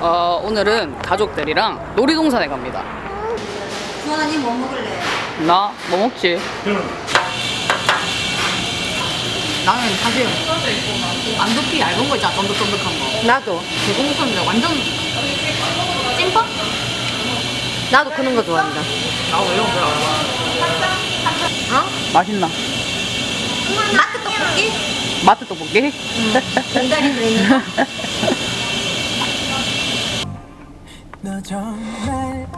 오늘은 가족들이랑 놀이동산에 갑니다. 주원아님 뭐 먹을래? 나 뭐 먹지? 나는 사실 안두피 얇은 거 있잖아, 쫀득쫀득한 거. 나도. 대공육인데 완전 찐빵? 나도 그런 거 좋아한다. 나도 이런 거 별로 안 좋아해. 어? 맛있나? 마트 떡볶이? 마트 떡볶이? 공다리 들어있는 거? 너 정말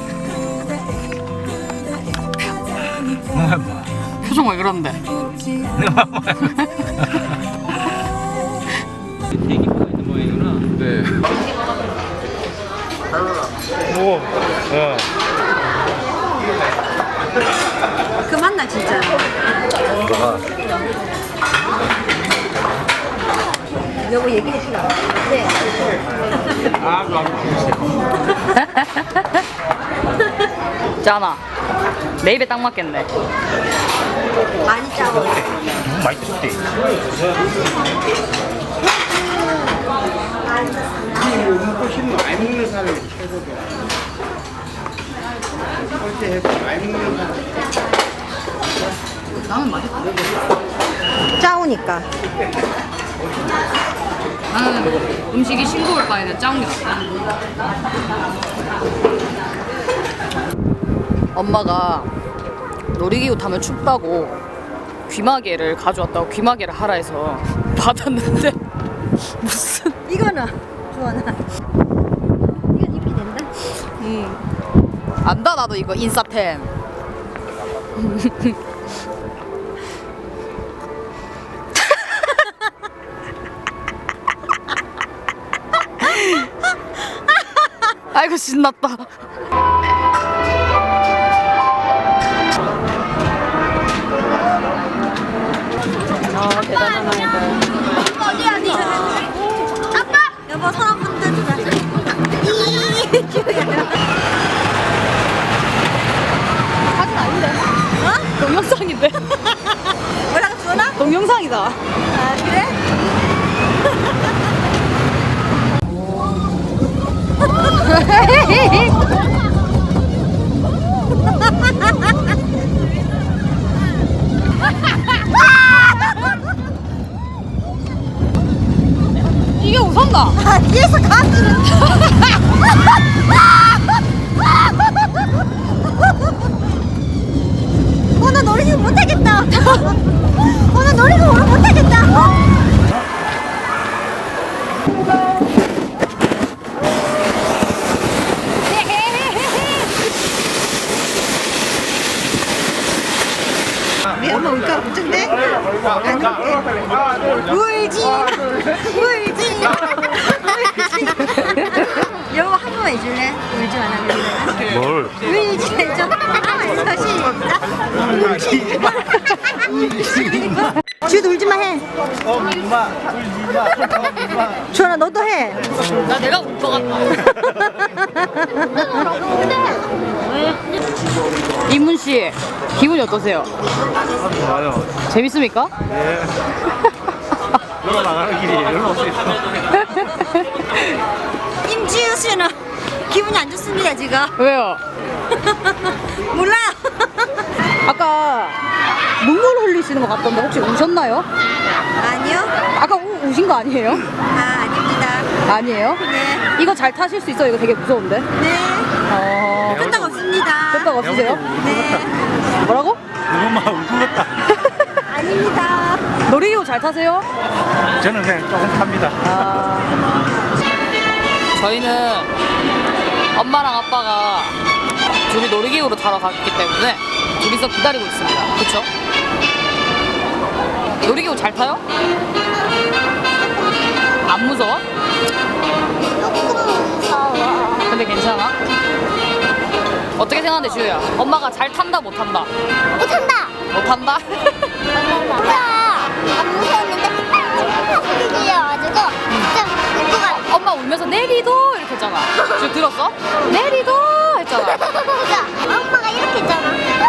표정 왜 그런데? 대기표가 있는 모양이구나. 네. 오, 야. 그 맛나 진짜. 뭐가? 여보 얘기해 주라. 네. 아, 그거 짠아. 내 입에 딱 맞겠네. 많이 짜고. 맛있지. 훨씬 많이 먹는 사람이 최고죠. 그렇게 해서 많이 먹는 사람. 나는 맛있어. 짜오니까. 나는 음식이 싱거울 바에는 짜운 게 낫다. 엄마가 놀이기구 타면 춥다고 귀마개를 가져왔다고 귀마개를 하라 해서 받았는데 무슨 이거는 주원아. 이건 입기 된다. 안다 나도 이거 인싸템. 아이고 신났다. 대단한 아이다. 어디? 아빠! 여보 손 한번 들어주라. 사진 아닌데? 어? 동영상인데? 뭐라고 주원아? 동영상이다. 아 그래? 이게 웃었나? 아 뒤에서 가수는. 나 놀이기구 못하겠다. 나 놀이기구 오늘 못하겠다. 우리 엄마 울까 걱정돼? 울지. 여보 한 번만 해줄래? 울지 말라고. 뭘? 울지 해줘. 주도 울지마 해. 엄마, 주원아 너도 해. 나 내가 울 것 같다. 이문 씨 기분이 어떠세요? 좋아요. 재밌습니까? 예. 놀러 나가는 길이 놀러 올수 있어. 임지우 씨는 기분이 안 좋습니다 지금. 왜요? 몰라요. 아까 눈물 흘리시는 것 같던데 혹시 우셨나요? 아니요. 아까 우신 거 아니에요? 아 아닙니다. 아니에요? 네. 이거 잘 타실 수 있어요? 이거 되게 무서운데? 네. 끄떡 없습니다. 끄떡 없으세요? 네. 뭐라고? 엄마 울것 같다. 아닙니다. 놀이기구 잘 타세요? 저는 그냥 조금 탑니다. 저희는 엄마랑 아빠가 둘이 놀이기구로 타러 갔기 때문에 둘이서 기다리고 있습니다. 그쵸? 놀이기구 잘 타요? 안 무서워? 조금 무서워. 근데 괜찮아? 어떻게 생각하는데 지우야? 엄마가 잘 탄다 못 탄다? 못한다. 못 탄다? 안 무서웠는데 팍팍 들려가지고 좀 울것 같아. 엄마 울면서 내리도 이렇게 했잖아. 지금 들었어? 내리도 했잖아. 엄마가 이렇게 했잖아.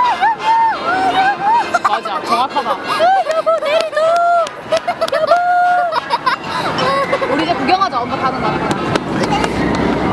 맞아, 정확하다. 여보 내리도. 여보. 우리 이제 구경하자. 엄마 타는 거.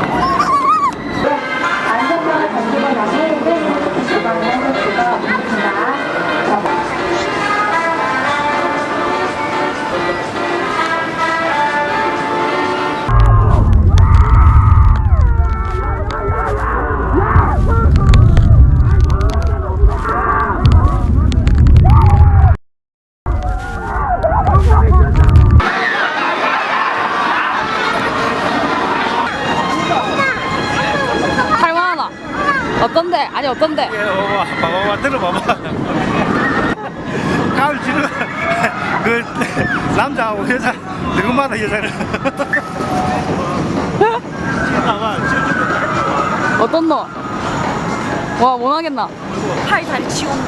아니 어떤데? 봐봐 들어봐봐. 가을 지금 그 남자하고 여자 누구마다 여자를. 봐봐. 어떤 너? 와 못하겠나? 팔 다리 치운다.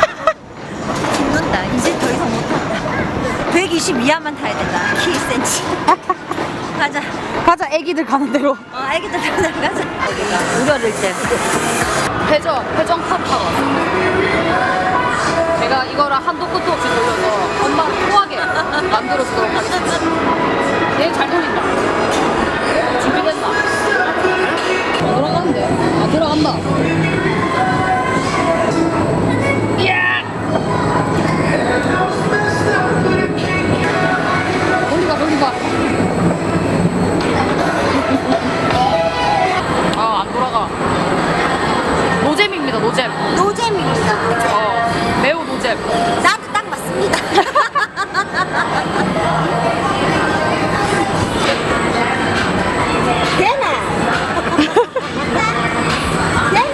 죽는다. 이제 더 이상 못한다. 120 이하만 타야 된다. 키 1cm. 가자. 가자 애기들 가는 대로. 애기들 가자. 우리 어릴 때. 회전 팝 타고 왔습니다. 제가 이거를 한도 끝도 없이 돌려서 엄마를 토하게 만들어 주도록 하겠습니다. 얘 잘 돌린다. 준비됐나? 들어가는데? 아 들어간다. 이야! 돌리봐. 아 안 돌아가. 노잼입니다 노잼. 노잼입니다. 매우 노잼. 나도 딱 맞습니다. 되나? 되나?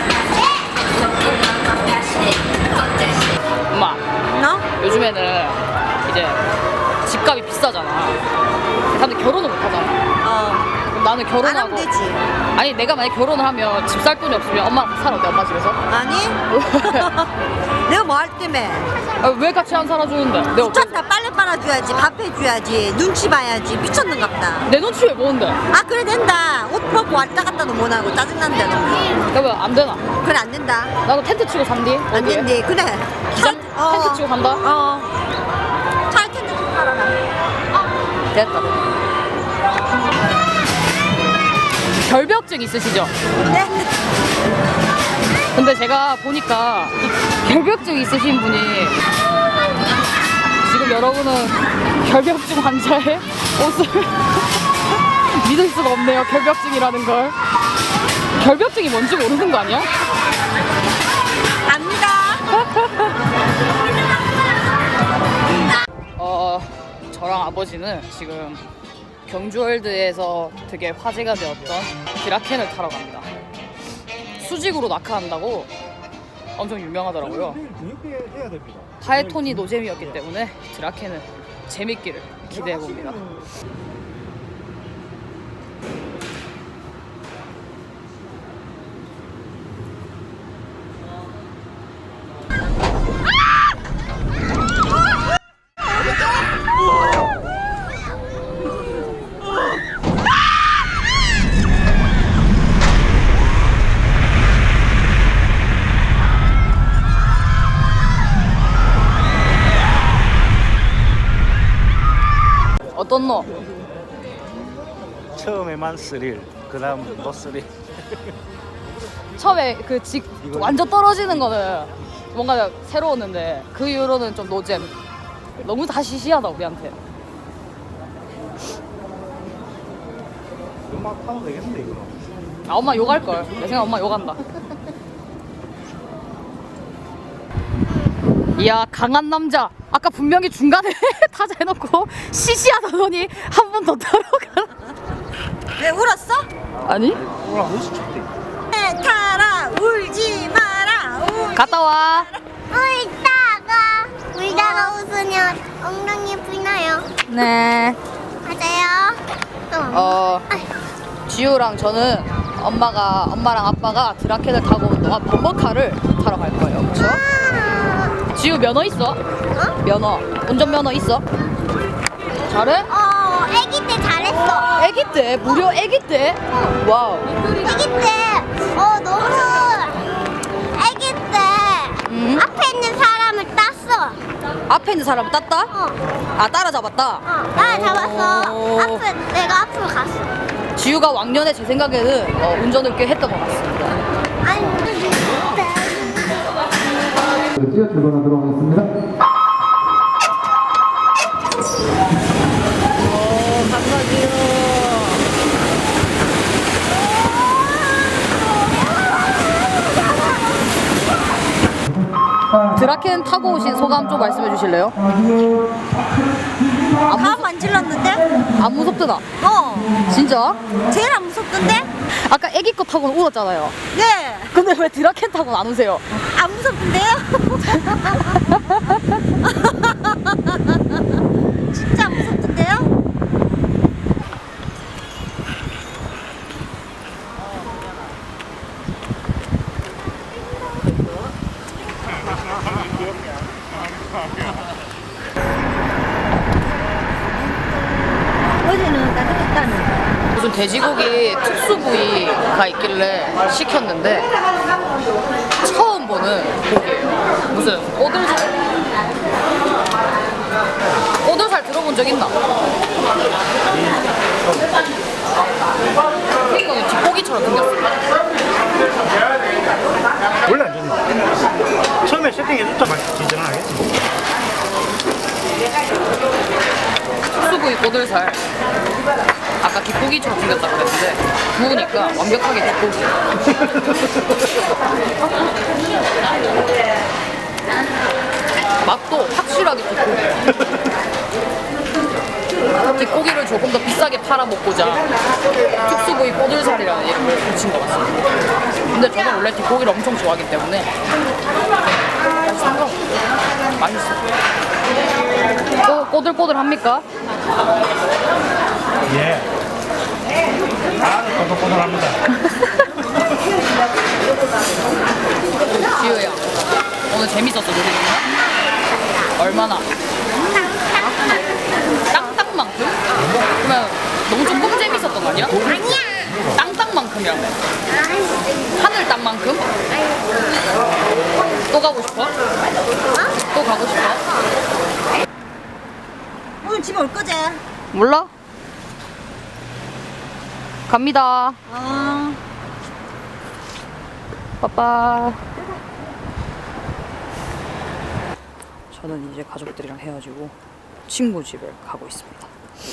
엄마 너? 요즘에는 이제 집값이 비싸잖아. 사람들 결혼을 못 하잖아. 그럼 나는 안 결혼하고 하면 되지. 아니 내가 만약 결혼을 하면 집 살 돈이 없으면 엄마랑 같이 살아 어때 엄마 집에서? 아니? 내가 뭐 할 때문에? 아, 왜 같이 안 살아주는데? 내가 어때? 미쳤다. 빨래 빨아줘야지. 밥 해줘야지. 눈치 봐야지. 미쳤는갑다. 내 눈치 왜 보는데? 아 그래 된다. 옷 벗고 왔다 갔다도 못하고 짜증난다 너. 그러면 안 되나? 그래 안 된다. 나도 텐트 치고 산디? 안 어디에? 된대. 그래. 기장? 텐트 치고 산다? 잘 텐트 좀 팔아라. 됐다. 결벽증 있으시죠? 네. 근데 제가 보니까 이 결벽증 있으신 분이 지금 여러분은 결벽증 환자의 옷을 믿을 수가 없네요. 결벽증이라는 걸. 결벽증이 뭔지 모르는 거 아니야? 압니다. 저랑 아버지는 지금 경주월드에서 되게 화제가 되었던 드라켄을 타러 갑니다. 수직으로 낙하한다고 엄청 유명하더라고요. 해야 됩니다. 파이톤이 노잼이었기 때문에 드라켄은 재밌기를 기대해 봅니다. 어떤 너? 처음에만 스릴, 그다음 너 스릴. 처음에 완전 떨어지는 거는 뭔가 새로웠는데 그 이후로는 좀 노잼. 너무 다 시시하다 우리한테. 음악 타도 되겠는데 이거. 아 엄마 욕할 걸. 내 생각 엄마 욕한다. 이야 강한 남자. 아까 분명히 중간에 타자 해놓고 시시하다더니 한 번 더 타러 가. 왜 울었어? 아니? 오라 무슨 좋대. 타라 울지 마라. 갔다 와. 울다가 웃으면 엉덩이 불나요. 네. 맞아요. 지우랑 저는 엄마랑 아빠가 드라켄을 타고 온 동안 범버카를 타러 갈 거예요. 그렇죠? 지우 면허 있어? 면허. 운전면허 있어? 잘해? 아기 때 잘했어. 애기 때? 무려 애기 때? 와우. 아기 때, 너무 아기 때 앞에 있는 사람을 땄어. 앞에 있는 사람을 땄다? 아 따라잡았다? 나 잡았어. 오. 내가 앞으로 갔어. 지우가 왕년에 제 생각에는 운전을 꽤 했던 것 같습니다. 아니, 뛰어 출발하도록 하겠습니다. 드라켄 타고 오신 소감 좀 말씀해 주실래요? 다 만질렀는데? 안 무섭더라. 어. 진짜? 제일 안 무섭던데? 아까 애기 거 타고는 울었잖아요. 네. 근데 왜 드라켄 타고는 안 우세요? 안 무섭던데요? 진짜 안 무섭던데요? 어제는 따뜻했다는. 무슨 돼지고기 특수 부위가 있길래 시켰는데 처음 보는 고기예요. 무슨 오돌살 들어본 적 있나? 이거는 뒷고기처럼 생겼어. 원래 안 좋나? 처음에 세팅해줬다 막 진짜는 알겠지. 특수부위 꼬들살 아까 뒷고기처럼 생겼다 그랬는데 구우니까 완벽하게 뒷고기. 맛도 확실하게 뒷고기. 뒷고기를 조금 더 비싸게 팔아먹고자 특수부위 꼬들살이라는 이름을 붙인 것 같습니다. 근데 저는 원래 뒷고기를 엄청 좋아하기 때문에 상관없어요. 맛있어요. 꼬들꼬들합니까? 예. 아주 꼬들꼬들합니다. 지우야, 오늘 재밌었어, 놀이동산? 얼마나? 땅땅만큼? 그러면 너무 조금 재밌었던 거 아니야? 아니야. 땅땅만큼이라며. 하늘 땅만큼? 또 가고 싶어? 또 가고 싶어? 오늘 집에 올 거지? 몰라? 갑니다. 어. 빠빠. 저는 이제 가족들이랑 헤어지고 친구 집에 가고 있습니다.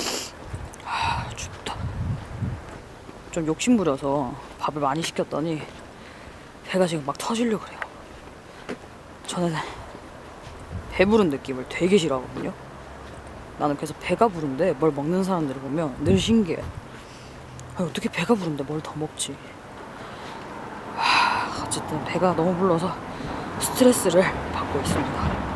춥다. 좀 욕심부려서 밥을 많이 시켰더니 배가 지금 막 터지려고 그래요. 저는 배부른 느낌을 되게 싫어하거든요. 나는 그래서 배가 부른데 뭘 먹는 사람들을 보면 늘 신기해. 아니, 어떻게 배가 부른데 뭘 더 먹지? 어쨌든 배가 너무 불러서 스트레스를 받고 있습니다.